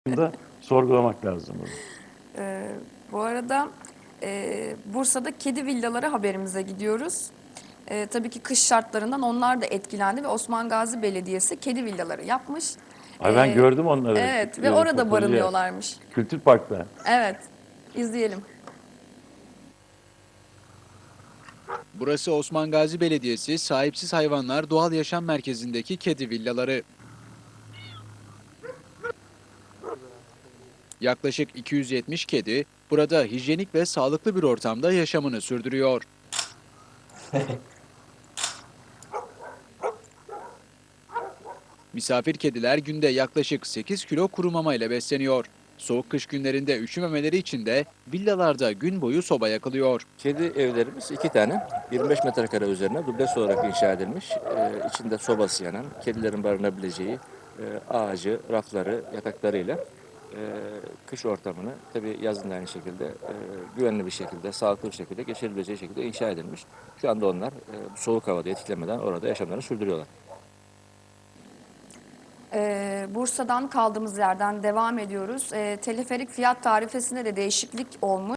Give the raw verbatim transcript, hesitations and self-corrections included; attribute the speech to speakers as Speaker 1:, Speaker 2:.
Speaker 1: da sorgulamak lazım bunu.
Speaker 2: Ee, bu arada e, Bursa'da kedi villaları haberimize gidiyoruz. Ee, tabii ki kış şartlarından onlar da etkilendi ve Osman Gazi Belediyesi kedi villaları yapmış.
Speaker 1: Ay ben
Speaker 2: Ee,
Speaker 1: gördüm onları.
Speaker 2: evet ve
Speaker 1: e,
Speaker 2: orada
Speaker 1: Fotoğrafı.
Speaker 2: barınıyorlarmış.
Speaker 1: Kültür Park'ta.
Speaker 2: Evet, izleyelim.
Speaker 3: Burası Osman Gazi Belediyesi Sahipsiz Hayvanlar Doğal Yaşam Merkezi'ndeki kedi villaları. Yaklaşık iki yüz yetmiş kedi burada hijyenik ve sağlıklı bir ortamda yaşamını sürdürüyor. Misafir kediler günde yaklaşık sekiz kilo kuru mama ile besleniyor. Soğuk kış günlerinde üşümemeleri için de villalarda gün boyu soba yakılıyor.
Speaker 4: Kedi evlerimiz iki tane, yirmi beş metrekare üzerine dubleks olarak inşa edilmiş. Ee, içinde sobası yanan, kedilerin barınabileceği e, ağacı, rafları, yataklarıyla e, kış ortamını, tabii yazın da aynı şekilde e, güvenli bir şekilde, sağlıklı bir şekilde geçirebileceği şekilde inşa edilmiş. Şu anda onlar e, soğuk havada etkilemeden orada yaşamlarını sürdürüyorlar.
Speaker 2: Ee, Bursa'dan kaldığımız yerden devam ediyoruz. Ee, teleferik fiyat tarifesinde de değişiklik olmuş.